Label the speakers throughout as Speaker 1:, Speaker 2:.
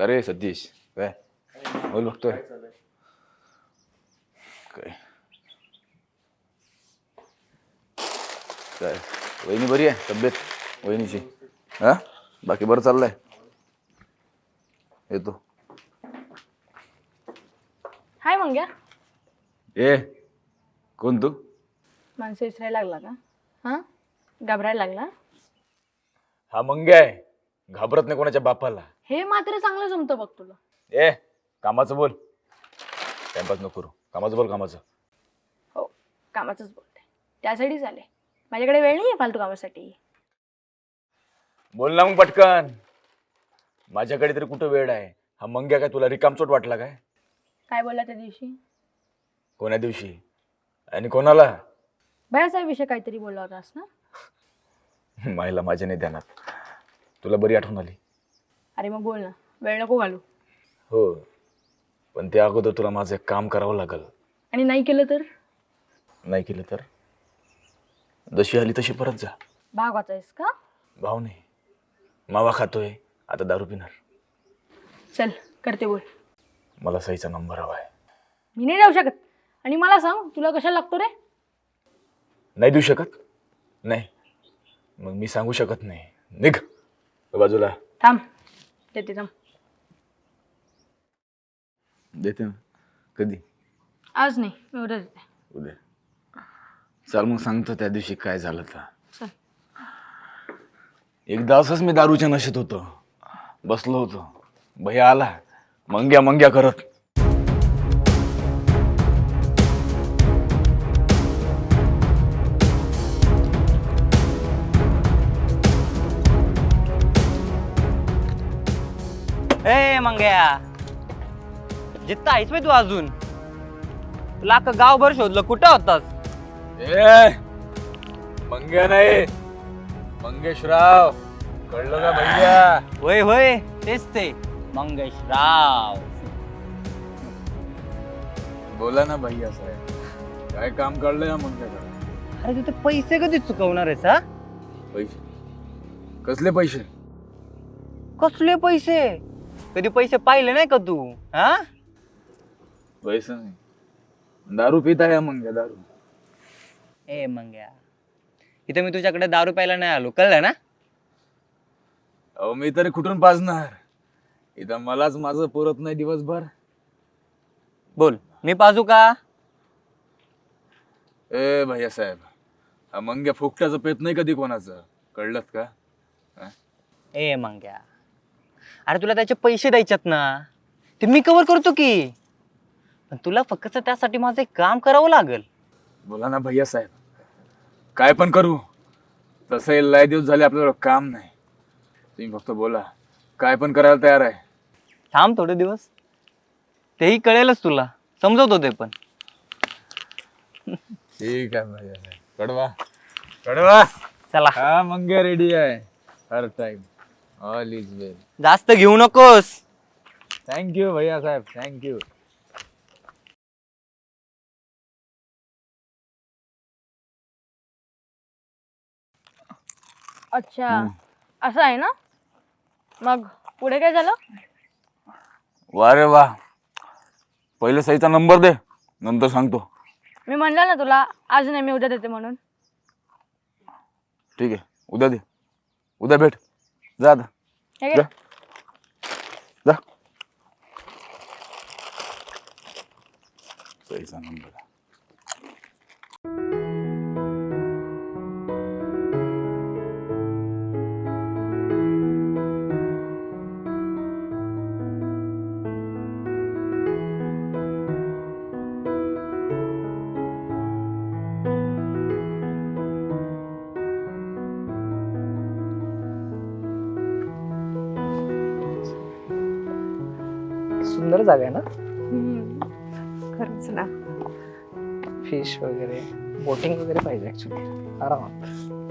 Speaker 1: अरे सतीश काय बोल बघतोय काय काय वहिनी बरी आहे तब्येत वहिनीची हा बाकी बरं चाललंय येतो
Speaker 2: हाय मंग्या
Speaker 1: ए कोण तू
Speaker 2: माणसं विसरायला लागला का हा घाबरायला लागला
Speaker 1: हा मंग्या आहे घाबरत नाही कोणाच्या बापाला
Speaker 2: हे मात्र चांगलं जमतं बघ तुला
Speaker 1: ए कामाचं बोल टाइमपास नको करू कामाचं बोल कामाचं
Speaker 2: हो कामाचंच बोलते त्यासाठीच आले माझ्याकडे वेळ नाही आहे फालतू कामासाठी
Speaker 1: बोल ना मग पटकन माझ्याकडे तरी कुठं वेळ आहे हा मंग्या काय तुला रिकामचोट वाटला काय
Speaker 2: काय बोलला त्या दिवशी
Speaker 1: कोण्या दिवशी आणि कोणाला
Speaker 2: भयासाहेब विषय काहीतरी बोलला होतास ना
Speaker 1: मायला माझ्या नाही ध्यानात तुला बरी आठवण आली
Speaker 2: अरे मग बोल ना वेळ नको घालू
Speaker 1: हो पण त्या अगोदर तुला माझं एक काम करावं लागल
Speaker 2: आणि नाही केलं तर
Speaker 1: नाही केलं तर जशी आली तशी परत जा
Speaker 2: भाग वाचायस का
Speaker 1: भाव नाही मावा खातोय आता दारू पिणार
Speaker 2: चल करते बोल
Speaker 1: मला सईचा नंबर हवा आहे
Speaker 2: मी नाही जाऊ शकत आणि मला सांग तुला कशाला लागतो रे
Speaker 1: नाही देऊ शकत नाही मग मी सांगू शकत नाही निघ बाजूला
Speaker 2: थांब देते थांब
Speaker 1: देते ना कधी
Speaker 2: आज नाही मी उद्या देते
Speaker 1: उद्या चाल मग सांगतो त्या दिवशी काय झालं तर
Speaker 2: चल
Speaker 1: एकदा असंच मी दारूच्या नशेत होतो बसलो होतो भैया आला मंग्या मंग्या करत
Speaker 3: ए मंग्या जिथं आहेस बे तू अजून तुला अख्खं गावभर शोधलं कुठं होतास
Speaker 1: ए मंग्या नाही मंगेशराव कळलं का भैया
Speaker 3: होय होय तेच ते मंगेशराव
Speaker 1: बोला ना भैया साहेब काय काम काढलंय ना मंग्याकडे
Speaker 3: अरे तू ते पैसे कधी चुकवणार आहेस हा
Speaker 1: पैसे कसले पैसे
Speaker 3: कसले पैसे कधी पैसे पाहिले नाही का तू हा
Speaker 1: पैसे नाही दारू पित आहे मंग्या दारू
Speaker 3: ए मंग्या इथं मी तुझ्याकडे दारू प्यायला नाही आलो कळलं ना
Speaker 1: अहो मी तरी कुठून पाजणार इथं मलाच माझं पुरत नाही दिवसभर
Speaker 3: बोल मी पाजू का
Speaker 1: ए भैया साहेब हा मंग्या फुकट्याचं पेत नाही कधी कोणाचं कळलं का हा?
Speaker 3: ए मंग्या अरे तुला त्याचे पैसे द्यायच्यात ना ते मी कव्हर करतो की पण तुला फक्त त्यासाठी माझं एक काम करावं लागेल
Speaker 1: बोला ना भैया साहेब काय पण करू तसं लय दिवस झाले आपल्याला काम नाही तुम्ही फक्त बोला काय पण करायला तयार आहे
Speaker 3: थांब थोडे दिवस तेही कळेलच तुला समजवतो ते पण
Speaker 1: ठीक आहे भैया साहेब कडवा कडवा
Speaker 3: चला
Speaker 1: हा मंग्या रेडी आहे हर टाइम ऑल इज वेल
Speaker 3: जास्त घेऊ नकोस
Speaker 1: थँक्यू भैया साहेब थँक्यू
Speaker 2: अच्छा असं आहे ना मग पुढे काय झालं
Speaker 1: वा रे वा पहिले सईचा नंबर दे नंतर सांगतो
Speaker 2: मी म्हणलं ना तुला आज नाही मी उद्या देते म्हणून
Speaker 1: ठीक आहे उद्या दे उद्या भेट जा आता
Speaker 2: हे घे.
Speaker 1: जा जा सईचा नंबर
Speaker 3: सुंदर जागा आहे ना
Speaker 2: खरंच ना
Speaker 3: फिश वगैरे बोटिंग वगैरे पाहिजे ऍक्च्युली आरामात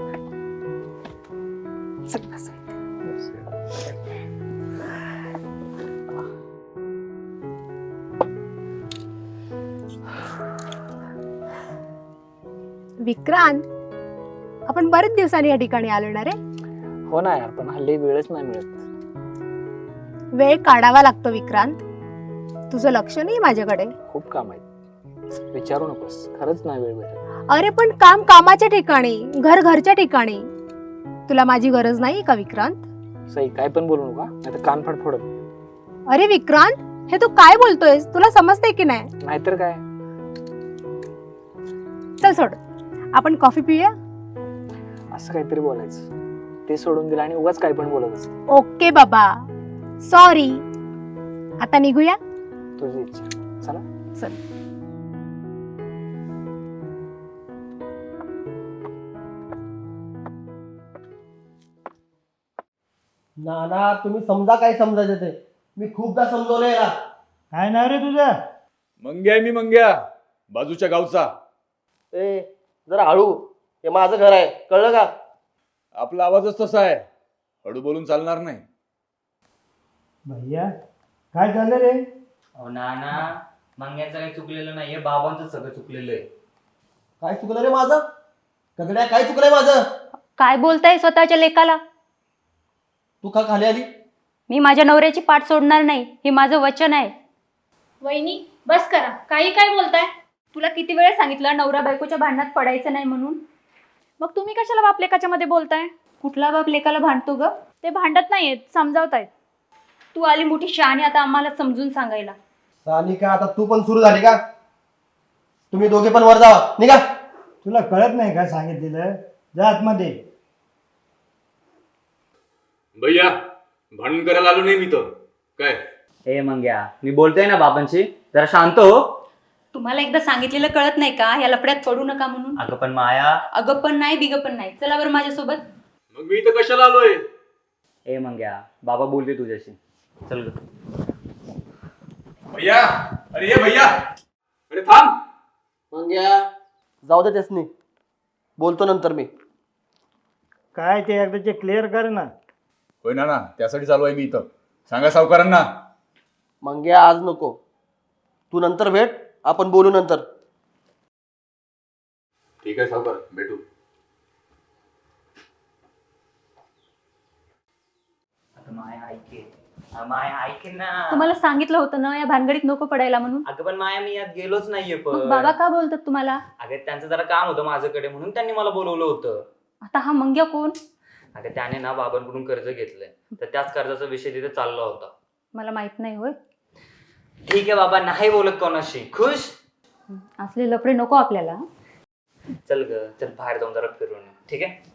Speaker 4: विक्रांत आपण बरेच दिवसांनी या ठिकाणी आलो ना रे
Speaker 3: हो ना यार पण हल्ली वेळच नाही मिळत
Speaker 4: वेळ काढावा लागतो विक्रांत. तुझं लक्ष नाही माझ्याकडे.
Speaker 5: खूप काम आहे, विचारू नकोस, खरंच नाही वेळ भेटत.
Speaker 4: अरे पण काम कामाच्या ठिकाणी, घर घरच्या ठिकाणी. तुला माझी गरज नाही का विक्रांत?
Speaker 5: सई काय पण बोलू नका, नाही तर कान फाट फोडत.
Speaker 4: अरे विक्रांत, हे तू काय बोलतोयस? तुला समजते की नाही?
Speaker 5: नाहीतर काय.
Speaker 4: चल सोड, आपण कॉफी पिऊया.
Speaker 5: असं काहीतरी बोलायचं, ते सोडून दिलं आणि उगाच काय पण बोलत असत.
Speaker 4: ओके बाबा, सॉरी. आता निघूया.
Speaker 5: तुझी इच्छा. चला.
Speaker 4: चल.
Speaker 6: ना तुम्ही समजा काय समजायचं ते. मी खूपदा समजवलंय याला.
Speaker 7: काय नाव रे तुझं?
Speaker 1: मंग्या आहे मी, मंग्या, बाजूच्या गावचा.
Speaker 6: ए जरा हळू, हे माझं घर आहे, कळलं का?
Speaker 1: आपला आवाजच तसा आहे, हळू बोलून चालणार नाही.
Speaker 7: भैया काय झालं रे?
Speaker 3: अहो नाना, मंग्याचं काही चुकलेलं नाहीये, बाबांचं सगळं चुकलेलं आहे.
Speaker 6: काय चुकलं रे माझं? कगड्या काय चुकलंय माझं?
Speaker 8: काय बोलताय स्वतःच्या लेकाला?
Speaker 6: तू का खाली आली?
Speaker 8: मी माझ्या नवऱ्याची पाठ सोडणार नाही, हे माझं वचन आहे.
Speaker 2: वहिनी बस करा, काही काय बोलताय?
Speaker 8: तुला किती वेळा सांगितलं नवरा बायकोच्या भांडणात पडायचं नाही म्हणून?
Speaker 2: मग तुम्ही कशाला बाप लेकाच्या मध्ये बोलताय?
Speaker 8: कुठला बाप लेकाला भांडतो ग?
Speaker 2: ते भांडत नाहीयेत, समजावतायत.
Speaker 8: तू आली मोठी शहाणी आता आम्हाला समजून सांगायला.
Speaker 6: सानिका आता तू पण सुरू झाली का? तुम्ही दोघे पण वर जावा, निघा.
Speaker 7: तुला कळत नाही का सांगितलेलं? जा आतमध्ये.
Speaker 1: भैया भांडण करायला आलो नाही मी तर. काय
Speaker 3: ए मंग्या, मी बोलतोय ना बाबांशी, जरा शांत हो.
Speaker 8: तुम्हाला एकदा सांगितलेलं कळत नाही का ह्या लफड्यात पडू नका म्हणून?
Speaker 3: अगं पण माया.
Speaker 8: अगं पण नाही, बिगं पण नाही. चला बरं माझ्यासोबत.
Speaker 1: मग मी इथं कशाला आलोय?
Speaker 3: ए मंग्या, बाबा बोलते तुझ्याशी, चल ग.
Speaker 1: भैया, अरे ये भैया, अरे थांब.
Speaker 6: मग या जाऊ दे त्यासनी, बोलतो नंतर मी.
Speaker 7: काय ते एकदाचे क्लिअर कर ना.
Speaker 1: होय ना, त्यासाठी चालू आहे मी इथं. सांगा सावकारांना.
Speaker 6: मग या आज नको, तू नंतर भेट, आपण बोलू नंतर.
Speaker 1: ठीक आहे सावकार, भेटू.
Speaker 3: माया ऐके, माया ऐके ना.
Speaker 8: तुम्हाला सांगितलं होतं ना या भानगडीत नको पडायला म्हणून.
Speaker 3: अगं पण माया, मी यात गेलोच नाहीये.
Speaker 8: मग
Speaker 3: पण
Speaker 8: बाबा का बोलतात तुम्हाला?
Speaker 3: अगं त्यांचं जरा काम होतं माझ्याकडे, म्हणून त्यांनी मला बोलवलं होतं.
Speaker 8: आता हा मंग्या कोण?
Speaker 3: अगं त्याने ना बाबांकडून कर्ज घेतलंय, तर त्याच कर्जाचा विषय तिथे चालला होता.
Speaker 8: मला माहित नाही. होय,
Speaker 3: ठीक आहे बाबा, नाही बोलत कोणाशी. खुश?
Speaker 8: असले लफडे नको आपल्याला.
Speaker 3: चल ग, चल बाहेर जाऊन जरा फिरून येऊ. ठीक आहे.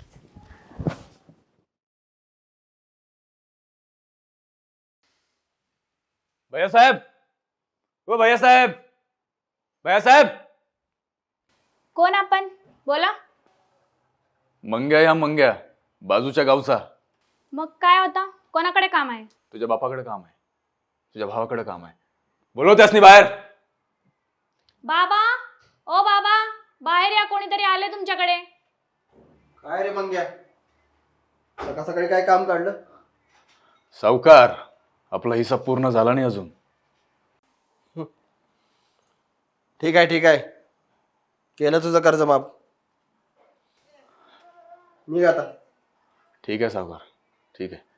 Speaker 1: भैया साहेब, ओ भैया साहेब, भैया साहेब.
Speaker 2: कोण आपण? बोला.
Speaker 1: मंग्या या मंग्या, बाजूच्या गावचा.
Speaker 2: मग काय होता? कोणाकडे काम आहे?
Speaker 1: तुझ्या बापाकडे काम आहे, तुझ्या भावाकडे काम आहे. बोलव त्यासनी बाहेर.
Speaker 2: बाबा, ओ बाबा, बाहेर या, कोणीतरी आले तुमच्याकडे.
Speaker 6: काय रे मग या, सकाळ सकाळी काय काम काढलं?
Speaker 1: सावकार, आपला हिसाब पूर्ण झाला नाही अजून.
Speaker 6: ठीक आहे ठीक आहे, केलं तुझं कर्ज माफ. निघ आता.
Speaker 1: ठीक आहे सावकार, ठीक आहे.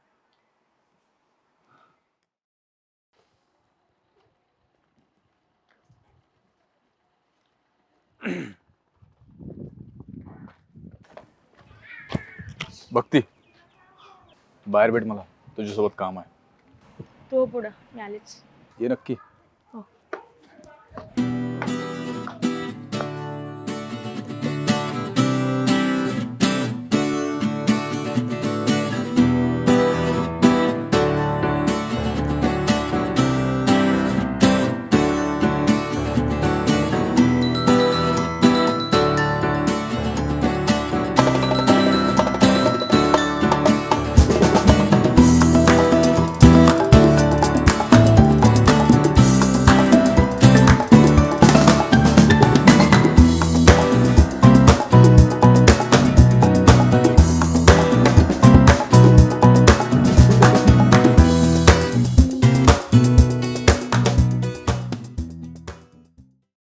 Speaker 1: भक्ती, बाहेर भेट मला, तुझ्यासोबत काम आहे.
Speaker 2: तो पुढं, मी आलेच.
Speaker 1: ये नक्की.